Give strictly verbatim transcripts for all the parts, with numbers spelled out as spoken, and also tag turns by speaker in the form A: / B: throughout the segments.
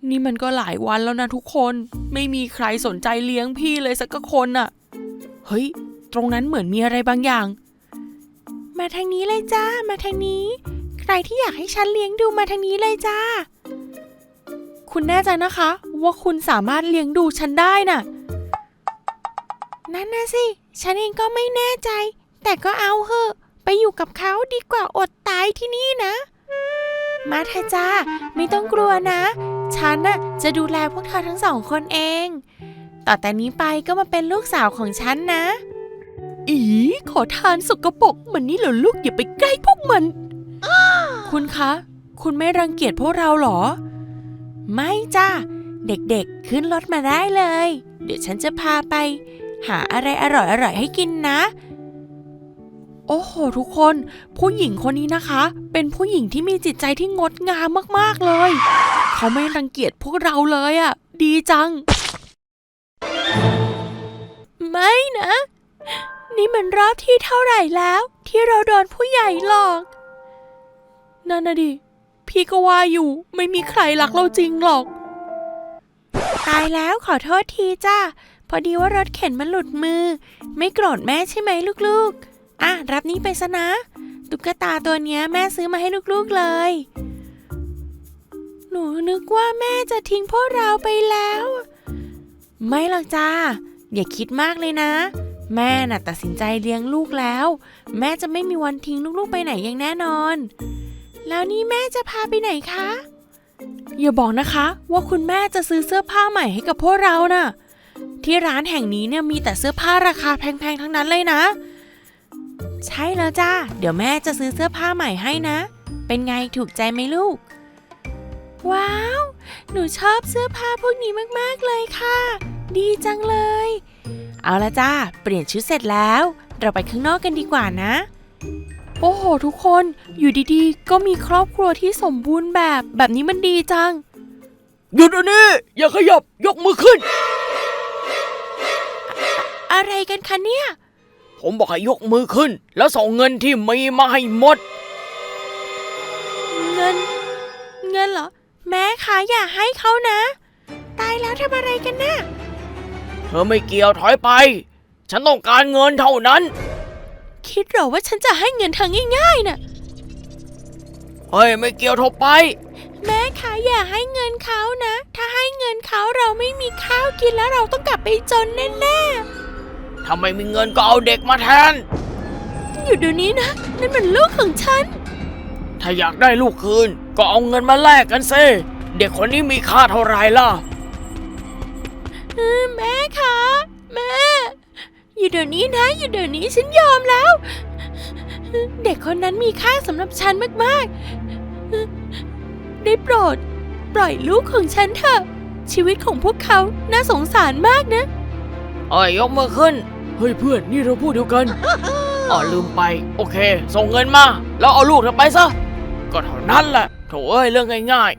A: นี่มันก็หลายวันแล้วนะทุกคนไม่มีใครสนใจเลี้ยงพี่เลยสักคนน่ะเฮ้ยตรงนั้นเหมือนมีอะไรบางอย่างมาทางนี้เลยจ้ามาทางนี้ใครที่อยากให้ฉันเลี้ยงดูมาทางนี้เลยจ้าคุณแน่ใจนะคะว่าคุณสามารถเลี้ยงดูฉันได้น่ะนั่นนะสิฉันเองก็ไม่แน่ใจแต่ก็เอาเหอะไปอยู่กับเขาดีกว่าอดตายที่นี่นะมาเถอะจ้าไม่ต้องกลัวนะฉันน่ะจะดูแลพวกเธอทั้งสองคนเองต่อแต่นี้ไปก็มาเป็นลูกสาวของฉันนะอีขอทานสกปรกมันนี่เหรอลูกอย่าไปใกล้พวกมัน คุณคะคุณไม่รังเกียจพวกเราหรอไม่จ้าเด็กๆขึ้นรถมาได้เลยเดี๋ยวฉันจะพาไปหาอะไรอร่อยๆให้กินนะโอ้โหทุกคนผู้หญิงคนนี้นะคะเป็นผู้หญิงที่มีจิตใจที่งดงามมากๆเลยเขาไม่รังเกียจพวกเราเลยอ่ะดีจังไม่นะนี่มันรอบที่เท่าไหร่แล้วที่เราโดนผู้ใหญ่หลอกนั่นน่ะดิพี่ก็ว่าอยู่ไม่มีใครรักเราจริงหรอกตายแล้วขอโทษทีจ้าพอดีว่ารถเข็นมันหลุดมือไม่โกรธแม่ใช่ไหมลูกๆอ่ะรับนี้ไปซะนะตุ๊กตาตัวเนี้ยแม่ซื้อมาให้ลูกๆเลยหนูนึกว่าแม่จะทิ้งพวกเราไปแล้วไม่หรอกจ้าอย่าคิดมากเลยนะแม่น่ะตัดสินใจเลี้ยงลูกแล้วแม่จะไม่มีวันทิ้งลูกๆไปไหนอย่างแน่นอนแล้วนี่แม่จะพาไปไหนคะอย่าบอกนะคะว่าคุณแม่จะซื้อเสื้อผ้าใหม่ให้กับพวกเราน่ะที่ร้านแห่งนี้เนี่ยมีแต่เสื้อผ้าราคาแพงๆทั้งนั้นเลยนะใช่แล้วจ้าเดี๋ยวแม่จะซื้อเสื้อผ้าใหม่ให้นะเป็นไงถูกใจไหมลูกว้าวหนูชอบเสื้อผ้าพวกนี้มากๆเลยค่ะดีจังเลยเอาละจ้าเปลี่ยนชุดเสร็จแล้วเราไปข้างนอกกันดีกว่านะโอ้โหทุกคนอยู่ดีๆก็มีครอบครัวที่สมบูรณ์แบบแบบนี้มันดีจังหยุดเดี๋ยวนี้อย่าขยับยกมือขึ้น อะอะไรกันคะเนี่ยผมบอกให้ยกมือขึ้นแล้วส่งเงินที่มีมาให้หมดเงินเงินเหรอแม่คะอย่าให้เขานะตายแล้วทำอะไรกันน่ะเธอไม่เกี่ยวถอยไปฉันต้องการเงินเท่านั้นคิดเหรอว่าฉันจะให้เงินเธอง่ายๆน่ะเฮ้ยไม่เกี่ยวถอยไปแม่คะอย่าให้เงินเขานะถ้าให้เงินเขาเราไม่มีข้าวกินแล้วเราต้องกลับไปจนแน่ๆถ้าไม่มีเงินก็เอาเด็กมาแทนอยู่เดี๋ยวนี้นะนั่นมันลูกของฉันถ้าอยากได้ลูกคืนก็เอาเงินมาแลกกันซิเด็กคนนี้มีค่าเท่าไหร่ล่ะแม่คะแม่อยู่เดี๋ยวนี้นะอยู่เดี๋ยวนี้ฉันยอมแล้วเด็กคนนั้นมีค่าสำหรับฉันมากๆได้โปรดปล่อยลูกของฉันเถอะชีวิตของพวกเขาน่าสงสารมากนะเอ้ยยกมือขึ้นเฮ้ยเพื่อนนี่เราพูดเดียวกันอ๋อลืมไปโอเคส่งเงินมาแล้วเอาลูกเธอไปซะก็เท่านั้นแหละโถ่เอ้ยเรื่องง่าย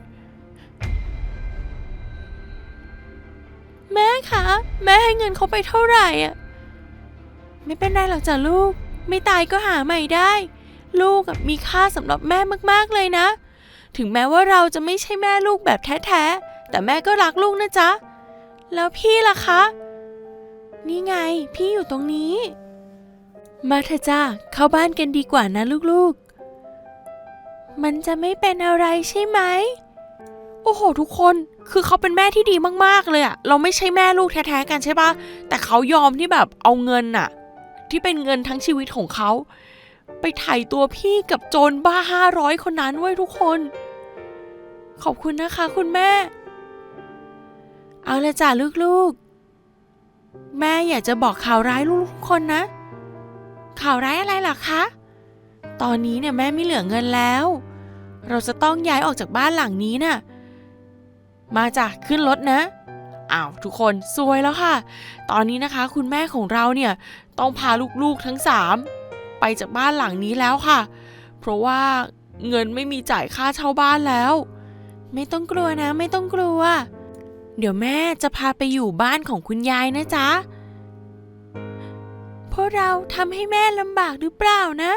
A: ๆแม่คะแม่ให้เงินเขาไปเท่าไหร่อ่ะไม่เป็นไรหรอกจ้ะลูกไม่ตายก็หาใหม่ได้ลูกมีค่าสำหรับแม่มากๆเลยนะถึงแม้ว่าเราจะไม่ใช่แม่ลูกแบบแท้ๆแต่แม่ก็รักลูกนะจ๊ะแล้วพี่ล่ะคะนี่ไงพี่อยู่ตรงนี้มาเถอะจ้าเข้าบ้านกันดีกว่านะลูกๆมันจะไม่เป็นอะไรใช่ไหมโอ้โหทุกคนคือเขาเป็นแม่ที่ดีมากๆเลยอะเราไม่ใช่แม่ลูกแท้ๆกันใช่ปะแต่เขายอมที่แบบเอาเงินอะที่เป็นเงินทั้งชีวิตของเขาไปไถ่ตัวพี่กับโจรบ้าห้าร้อยคนนั้นไว้ทุกคนขอบคุณนะคะคุณแม่เอาละจ้ะลูกๆแม่อยากจะบอกข่าวร้ายลูกทุกคนนะข่าวร้ายอะไรล่ะคะตอนนี้เนี่ยแม่ไม่เหลือเงินแล้วเราจะต้องย้ายออกจากบ้านหลังนี้น่ะมาจ้ะขึ้นรถนะอ้าวทุกคนซวยแล้วค่ะตอนนี้นะคะคุณแม่ของเราเนี่ยต้องพาลูกๆทั้งสามไปจากบ้านหลังนี้แล้วค่ะเพราะว่าเงินไม่มีจ่ายค่าเช่าบ้านแล้วไม่ต้องกลัวนะไม่ต้องกลัวเดี๋ยวแม่จะพาไปอยู่บ้านของคุณยายนะจ๊ะพวกเราทำให้แม่ลำบากหรือเปล่านะ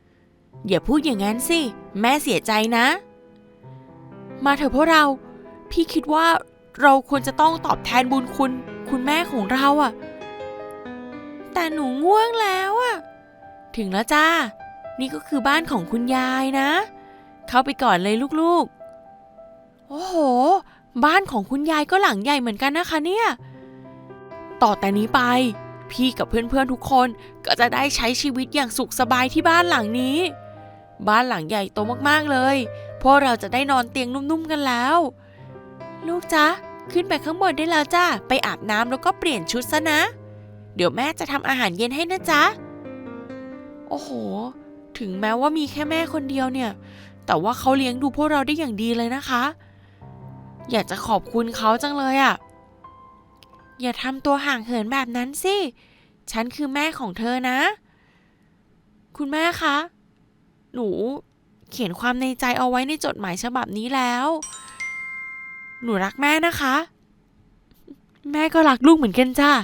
A: อย่าพูดอย่างนั้นสิแม่เสียใจนะมาเถอะพวกเราพี่คิดว่าเราควรจะต้องตอบแทนบุญคุณคุณแม่ของเราอะแต่หนูง่วงแล้วอะถึงแล้วจ้านี่ก็คือบ้านของคุณยายนะเข้าไปก่อนเลยลูกๆโอ้โหบ้านของคุณยายก็หลังใหญ่เหมือนกันนะคะเนี่ยต่อแต่นี้ไปพี่กับเพื่อนๆทุกคนก็จะได้ใช้ชีวิตอย่างสุขสบายที่บ้านหลังนี้บ้านหลังใหญ่โตมากๆเลยพวกเราจะได้นอนเตียงนุ่มๆกันแล้วลูกจ๊ะขึ้นไปข้างบนได้แล้วจ้าไปอาบน้ำแล้วก็เปลี่ยนชุดซะนะเดี๋ยวแม่จะทำอาหารเย็นให้นะจ๊ะโอ้โหถึงแม้ว่ามีแค่แม่คนเดียวเนี่ยแต่ว่าเขาเลี้ยงดูพวกเราได้อย่างดีเลยนะคะอยากจะขอบคุณเขาจังเลยอ่ะอย่าทำตัวห่างเหินแบบนั้นสิฉันคือแม่ของเธอนะคุณแม่คะหนูเขียนความในใจเอาไว้ในจดหมายฉบับนี้แล้วหนูรักแม่นะคะแม่ก็รักลูกเหมือนกันจ้า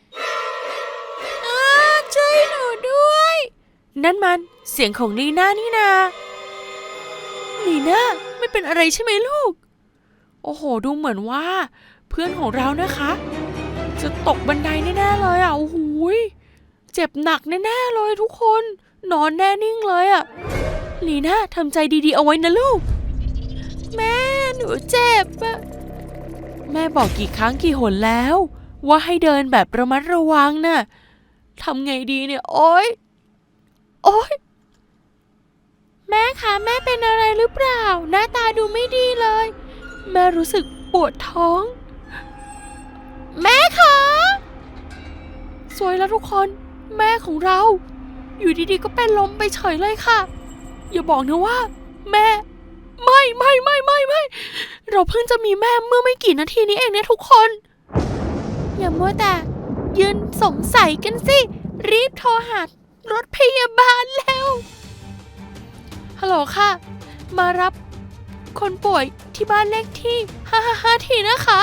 A: ช่วยหนูด้วยนั่นมันเสียงของลีน่านี่นาลีน่าไม่เป็นอะไรใช่ไหมลูกโอ้โหดูเหมือนว่าเพื่อนของเรานะคะจะตกบันไดแน่ๆเลยอ่ะโอ้โหเจ็บหนักแน่ๆเลยทุกคนนอนแน่นิ่งเลยอ่ะลีน่าทำใจดีๆเอาไว้นะลูกแม่หนูเจ็บอ่ะแม่บอกกี่ครั้งกี่หนแล้วว่าให้เดินแบบระมัดระวังน่ะทำไงดีเนี่ยโอ๊ยโอ๊ยแม่คะแม่เป็นอะไรหรือเปล่าหน้าตาดูไม่ดีเลยแม่รู้สึกปวดท้องแม่คะสวยแล้วทุกคนแม่ของเราอยู่ดีๆก็เป็นลมไปเฉยเลยค่ะอย่าบอกนะว่าแม่ไม่ไม่ไม่ไม่ไม่เราเพิ่งจะมีแม่เมื่อไม่กี่นาทีนี้เองเนี่ยทุกคนอย่ามัวแต่ยืนสงสัยกันสิรีบโทรหารถพยาบาลแล้วฮัลโหลค่ะมารับคนป่วยที่บ้านเลขที่ห้าห้าห้าทีนะคะ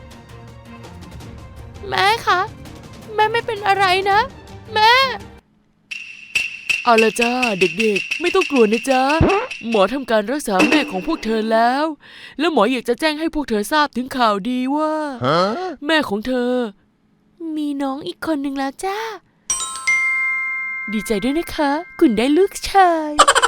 A: แม่คะแม่ไม่เป็นอะไรนะแม่เอาละจ้าเด็กๆไม่ต้องกลัวนะจ๊ะหมอทำการรักษาแม่ของพวกเธอแล้วแล้วหมออยากจะแจ้งให้พวกเธอทราบถึงข่าวดีว่า แม่ของเธอมีน้องอีกคนหนึ่งแล้วจ้าดีใจด้วยนะคะคุณได้ลูกชาย